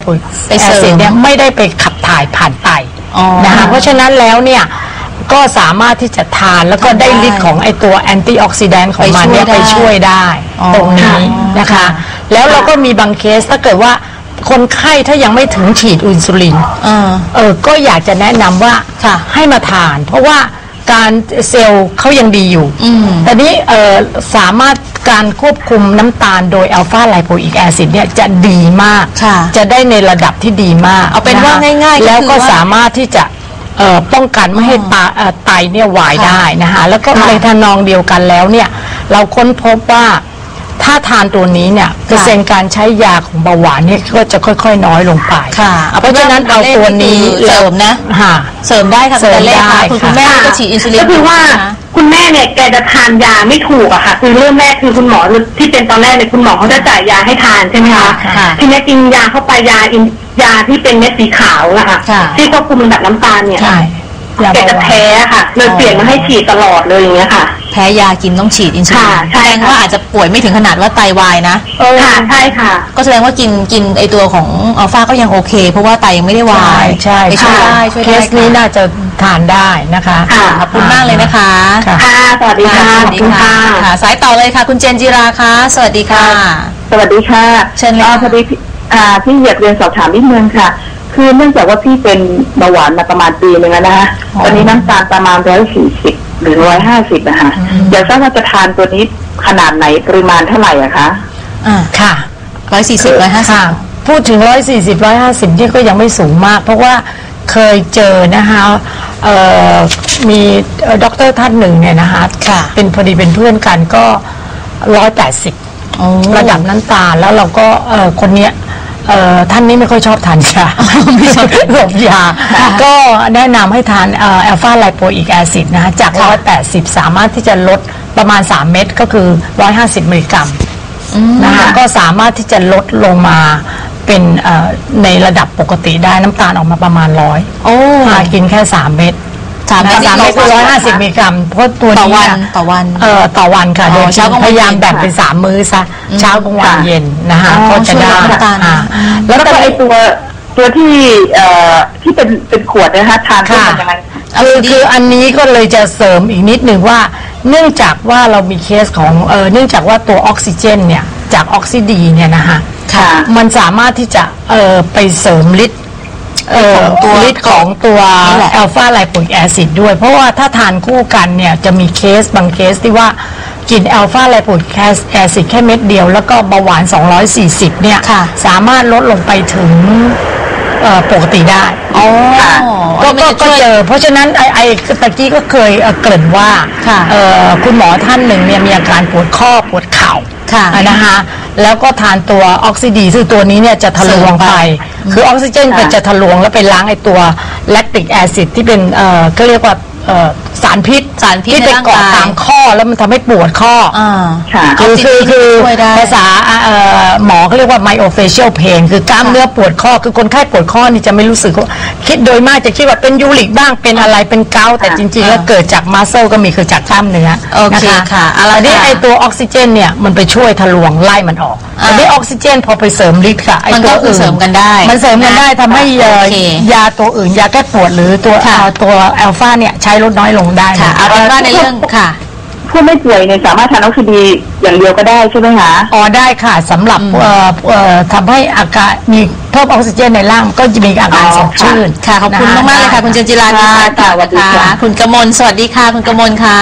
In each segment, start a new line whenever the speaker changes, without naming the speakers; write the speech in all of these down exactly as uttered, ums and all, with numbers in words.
แอซิดเนี่ยไม่ได้ไปขับถ่ายผ่านไตนะคะเพราะฉะนั้นแล้วเนี่ยก็สามารถที่จะทานแล้วก็ได้ฤทธิ์ของไอตัวแอนตี้ออกซิแดนต์ของมันเนี่ยไปช่วยได้ตรงนี้นะคะแล้วเราก็มีบางเคสถ้าเกิดว่าคนไข้ถ้ายังไม่ถึงฉีดอินซูลินเออก็อยากจะแนะนำว่าให้มาทานเพราะว่าการเซลล์เขายังดีอยู่แต่นี้เออสามารถการควบคุมน้ำตาลโดยอัลฟาไลโปอิกแอซิดเนี่ยจะดีมากจะได้ในระดับที่ดีมาก
เอาเป็นว่าง่ายๆ
แล้วก็สามารถที่จะป้องกันไม่ให้ไตเนี่ยวายได้นะคะแล้วก็ในทานองเดียวกันแล้วเนี่ยเราค้นพบว่าถ้าทานตัวนี้เนี่ยเปอร์เซ็นต์การใช้ยาของเบาหวานเนี่ยก็จะค่อยๆน้อยลงไปเพราะฉะนั้นเอาตัวนี้
เสริมนะเสริมได้ค่ะคุณเล่ค่ะคุณแม่ก็ฉีดอินซูลิน
ก็คือว่าคุณแม่เนี่ยแกจะทานยาไม่ถูกอะค่ะคือเริ่มแรกคือคุณหมอที่เป็นตอนแรกเนี่ยคุณหมอเขาจะจ่ายยาให้ทานใช่ไหมคะทีนี้กินยาเข้าไปยาอินยาที่เป็นเม็ดสีขาวนะคะที่ควบคุมระดับน้ำตาลเนี่ยแกจะแพ้ค่ะเลยเปลี่ยนมาให้ฉีดตลอดเลยอย่างเงี้ยค่ะ
แพ้ยากินต้องฉีดอินซูลินแสดงว่าอาจจะป่วยไม่ถึงขนาดว่าไตวายนะ
ค่ะใช่ค่ะ
ก็แสดงว่ากินกินไอตัวของอัลฟาก็ยังโอเคเพราะว่าไตยังไม่ได้วาย
ใช่
ช่วยได้ช่วยได้
เคสนี้น่าจะทานได้นะคะ
ขอบคุณมากเลยนะคะ
ค่ะสวัสดีค่ะ
สวัสดีค่ะสายต่อเลยค่ะคุณเจนจิราค่ะสวัสดีค่ะ
สวัสดีค่ะ
เชิญเลย
พอดีพี่อยากเรียนสอบถามนิดนึงค่ะคือเนื่องจากว่าพี่เป็นเบาหวานมาประมาณปีนึงแล้วนะคะตอนนี้น้ำตาลประมาณร้อยสี่สิบหรือร้อยห้าสิบนะคะอยากทราบว่าจะทานตัวนี้ขนาดไหนปริมาณเท่าไหร่อะคะ
อ่าค่ะ
ร้อยสี่สิบร้อยห้าสิบ
พูดถึงร้อยสี่สิบร้อยห้าสิบที่ก็ยังไม่สูงมากเพราะว่าเคยเจอนะคะมีด็อกเตอร์ท่านหนึ่งเนี่ยนะคะเป็นพอดีเป็นเพื่อนกันก็ร้อยแปดสิบระดับน้ำตาลแล้วเราก็คนเนี้ยท่านนี้ไม่ค่อยชอบทานยาไม่ชอบหลบยาก็แนะนำให้ทานอัลฟาไลโปอิกแอซิดนะคะจากร้อยแปดสิบสามารถที่จะลดประมาณสามเม็ดก็คือร้อยห้าสิบมิลลิกรัมนะคะก็สามารถที่จะลดลงมาเป็นในระดับปกติได้น้ำตาลออกมาประมาณร้อยโอ้กินแค่สามเม็ดสามเม็ดสามเม็ดคือร้อยห้าสิบมิลลิกรัมเพราะตัวนี้
ต่อวันต่อวัน
เอ่อต่อวันค่ะโดยพยายามแบ่งเป็นสามมื้อซะเช้ากลางวันเย็นนะคะก็จะได้
แล้วก็ไอตัวตัวที่เอ่อที่เป็นเป็นขวดนะคะทานเพื่อยังไง
คือคืออันนี้ก็เลยจะเสริมอีกนิดหนึ่งว่าเนื่องจากว่าเรามีเคสของเออเนื่องจากว่าตัวออกซิเจนเนี่ยจากออกซิดีเนี่ยนะคะมันสามารถที่จะเออไปเสริมฤทธิ์ตัวฤทธิ์ของตัวอัลฟาไลโปอิกแอซิดด้วยเพราะว่าถ้าทานคู่กันเนี่ยจะมีเคสบางเคสที่ว่ากินอัลฟาไลโปอิกแอซิดแค่เม็ดเดียวแล้วก็เบาหวานสองร้อยสี่สิบเนี่ยสามารถลดลงไปถึงปกติได้ก็ก็เจอเพราะฉะนั้นไอไอตะกี้ก็เคยเกริ่นว่าคุณหมอท่านหนึ่งเนี่ยมีอาการปวดข้อปวดเข่านะคะแล้วก็ทานตัวออกซิดีซึ่งตัวนี้เนี่ยจะทะลวงไปคือออกซิเจนก็จะทะลวงแล้วไปล้างไอตัวแลคติกแอซิดที่เป็นเอ่อก็เรียกว่าสารพิษ
สารพิษ
ที่ไปเกาะตามข้อแล้วมันทำให้ปวดข้อคือคือคือภาษาหมอเขาเรียกว่า myofascial pain คือกล้ามเนื้อปวดข้อคือคนไข้ปวดข้อนี่จะไม่รู้สึกคิดโดยมากจะคิดว่าเป็นยูริกบ้างเป็นอะไรเป็นเกาต์แต่จริงๆแล้วเกิดจากมัสเซลก็มีคือจากกล้ามเนื้อ
นะคะค่ะ
อันนี้ไอตัวออกซิเจนเนี่ยมันไปช่วยทะลวงไล่มันออกอันนี้ออกซิเจนพอไปเสริมฤทธิ์ค่ะไอตัวอื่น
เสริมกันได้
มันเสริมกันได้ทำให้ยาตัวอื่นยาแก้ปวดหรือตัวตัวอัลฟาเนี่ยใช้ลดน้อยลงได้
ค่ะเอาเป็นว่าในเรื่องค่ะ
ผู้ไม่ป่วยเนี่ยสามารถทานออกซิดีอย่างเดียวก็ได้ใช่ไหมคะ
อ๋อได้ค่ะสำหรับทำให้อากาศมีเพิ่มออกซิเจนในร่างก็จะมีอาการสดชื่น
ค่ะขอบคุณมากๆเลยค่ะคุณเจนจิราค่ะสวัสดีค่ะคุณกมลสวัสดีค่ะคุณกมลค่ะ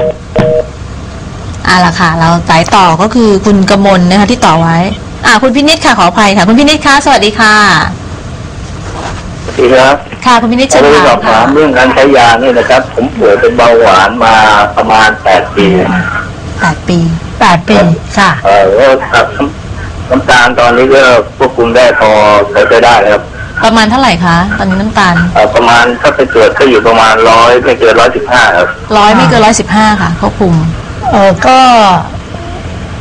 อ่าล่ะค่ะเราสายต่อก็คือคุณกมลนะคะที่ต่อไว้อ่าคุณพินิจค่ะขออภัยค่ะคุณพินิจค่ะสวัสดีค่ะ
สวัสดีครับ
ค่ะคุณพินิจเชิญ
ค่ะสอบถามเรื่องการใช้ยานี่นะครับผมป่วยเป็นเบาหวานมาประมาณแปดปี
แปดปี
แปดปีค่ะ
เออแล้วน้ำตาลตอนนี้ก็ควบคุมได้พอใช้ไปได้ครับ
ประมาณเท่าไหร่คะตอนนี้น้ำตาล
เออประมาณถ้าไปตรวจก็อยู่ประมาณร้อยไม่เกินร้อยสิบห้าครับ
ร้อยไม่เกินร้อยสิบห้าค่ะควบคุม
เออก็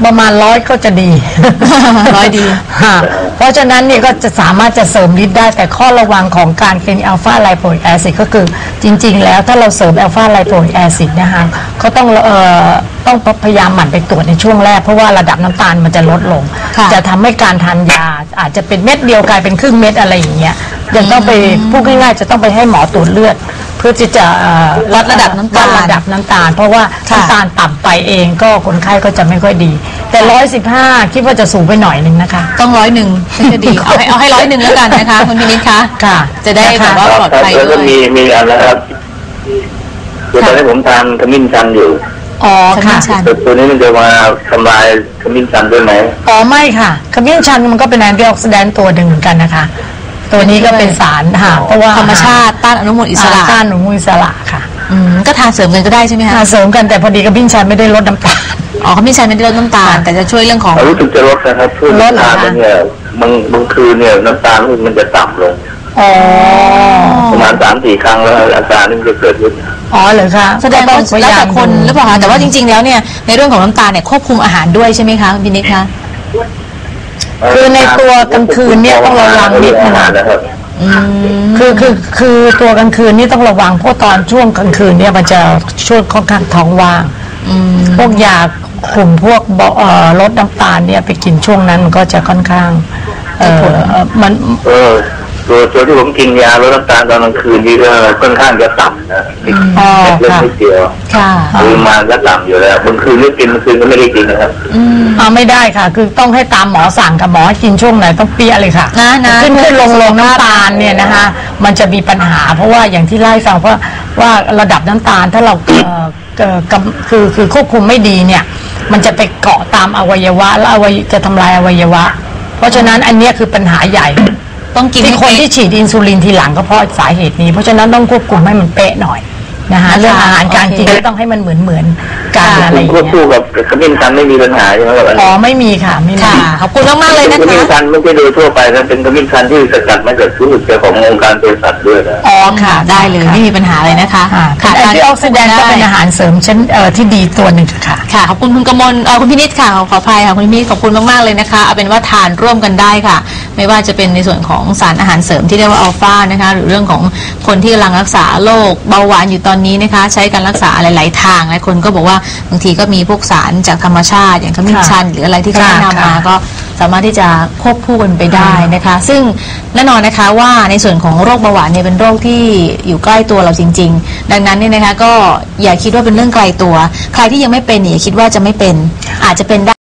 ประมาณร้อยก็จะดี
ร้อยดี
ค่ะเพราะฉะนั้นเนี่ยก็จะสามารถจะเสริมฤทธิ์ได้แต่ข้อระวังของการกินอัลฟาไลโปอิกแอซิดก็คือจริงๆแล้วถ้าเราเสริมอัลฟาไลโปอิกแอซิดนะคะเขาต้องเอ่อต้องพยายามหมั่นไปตรวจในช่วงแรกเพราะว่าระดับน้ำตาลมันจะลดลง
ค่ะ
จะทำให้การทานยาอาจจะเป็นเม็ดเดียวกลายเป็นครึ่งเม็ดอะไรอย่างเงี้ยยังต้องไปพูดง่ายๆจะต้องไปให้หมอตรวจเลือด เพื่อที่จะเอ่อ
วัดระดับน้ำตาล
วัดระดับน้ำตาล เพราะว่า
ค่ะ
น้ำตาลต่ำไปเองก็คนไข้ก็จะไม่ค่อยดี แต่ร้อยสิบห้าคิดว่าจะสูงไปหน่อยหนึ่งนะคะ
ต้องร้อยหนึ่งถึงจะดี เอาให้เอาให้ร้อยหนึ่งแล้วกันนะคะคุณพินิจคะ
ค่ะ
จะได้แบบว่า
ครับ
ปลอดภัย
แล้ว
ด้
ก็
วย
มีมีอันนะครับคือตอนนี้ผมทานขมิ้นชันอยู่
อ๋อค่ะ
ขมิ้นชัน
แต่ตัวนี้มันจะมาทำลายขมิ้นชันด้วยไหม
อ๋อไม่ค่ะขมิ้นชันมันก็เป็นแอนตี้ออกซิแดนต์ตัวหนึ่งเหมือนกันนะคะ ตัวนี้ก็เป็นสารค่ะเพราะว่า
ธรรมชาติต้านอนุมูลอิสระ
ต้านอนุมูลอิสระค่ะ
อืมก็ทานเสริมกันก็ได้ใช่ไหมคะ
ทานเสริมกันแต่พอดีขมิ้นชันไม่ได้ลดน้ำตาล
อ๋อเขาไม่ใช่ไม่ได้ลดน้ำตาล แต่จะช่วยเรื่องของ
รู้สึกจะลดนะครับช่วง
ลดเหรอ
ทาน
คะ
ไปเนี่ยบางบางคืนเนี่ยน้ำตาลมันจะต่ำลง
อ๋อ
ประมาณสามสี่ครั้งแล้วอาการนี่มันจะเกิดขึ้น
อ๋อเหรอคะ
แสดงว่า
ก็ต้องพย
แล้ว
ยา
แต่
ม
คนหรือเปล่าคะแต่ว่าจริง ๆ แล้วเนี่ยในเรื่องของน้ำตาลเนี่ยควบคุมอาหารด้วยใช่ไหมคะคุณพินิจคะ
คือในตัวกลางคืนเนี่ยต้องระวังนิดนึง
นะครับ
อืม
คือคือคือตัวกลางคืนนี่ต้องระวังเพราะตอนช่วงกลางคืนเนี่ยมันจะช่วงค่อนข้างท้องว่าง
อืม
พวกยาคุมพวกเบาเอ่อลดน้ำตาลเนี่ยไปกินช่วงนั้นมันก็จะค่อนข้างเออเอ่อมัน
เออตัวตัวที่ผมกินยาลดน้ำตาลตอนกลางคืนนี่ก็ค่อนข้างจะต่ำนะ
อ๋อ
เล็ก
ค่ะ
นิดเดียว
ค่ะ
คือมาก็ต่ำอยู่แล้วบางคืนไม่กินบางคืนก็ไม่ได้กินนะครับ
อืม
อ่าไม่ได้ค่ะ คือต้องให้ตามหมอสั่งกับหมอให้กินช่วงไหนต้องเปี้ยเลยค่ะ
นะนะ
ขึ้นขึ้นลงลงน้ำตาลเนี่ยนะคะมันจะมีปัญหา เพราะว่าอย่างที่เล่าให้ฟังเพราะว่าระดับน้ำตาลถ้าเราเอ่อเอ่อกำคือคือควบคุมไม่ดีเนี่ย มันจะไปเกาะตามอวัยวะแล้วอวัยจะทำลายอวัยวะ เพราะฉะนั้นอันเนี้ยคือปัญหาใหญ่
ต้องกิน
ที่
ให้
คน
เป๊ะ
ที่ฉีดอินซูลินทีหลังก็เพราะสาเหตุนี้ เพราะฉะนั้นต้องควบคุมให้มันเป๊ะหน่อยนะคะ
นะคะ
เรื่องอาหารการ
โอเค
กินก็ต้องให้มันเหมือนเหมือนๆกันอะไรอย่าง
ควบ
เงี้ย
คู่กับขมิ้นชันไม่มีปัญหาใช่ไหมครับ
อ๋อไม่มีค่ะไม่มี
ค่ะขอบคุณมากๆเลยนะ
ขมิ้น
คะ
ชันไม่ใช่โดยทั่วไปนะเป็นขมิ้นชันที่สกัดมาจากสูตรขององค์การเภสัชด้วยนะ
อ๋อค่ะ
ได้เลยไม่มีปัญหาเลยนะคะ
ค่ะแอนตี้ออกซิแดนต์ก็เป็นอาหารเสริมชั้นเอ่อที่ดีตัวหนึ่งค่ะ
ค่ะขอบคุณคุณกมลเอ่อคุณพินิจค่ะขอขออภัยค่ะคุณพินิจขอบคุณมากๆเลยนะคะเอาเป็นว่าทานร่วมกันได้ค่ะ ไม่ว่าจะเป็นในส่วนของสารอาหารเสริมที่เรียกว่าอัลฟานะคะหรือเรื่องของคนที่กำลังรักษาโรคเบาหวานอยู่ตอนนี้นะคะใช้การรักษาหลายๆทางหลายคนก็บอกว่าบางทีก็มีพวกสารจากธรรมชาติอย่างขมิ้นชันหรืออะไรที่เขาแนะนำมาก็สามารถที่จะควบคู่กันไปได้นะคะ ซึ่งแน่นอนนะคะว่าในส่วนของโรคเบาหวานเนี่ยเป็นโรคที่อยู่ใกล้ตัวเราจริง ๆ ดังนั้นเนี่ยนะคะก็อย่าคิดว่าเป็นเรื่องไกลตัว ใครที่ยังไม่เป็นเนี่ยอย่าคิดว่าจะไม่เป็นอาจจะเป็นได้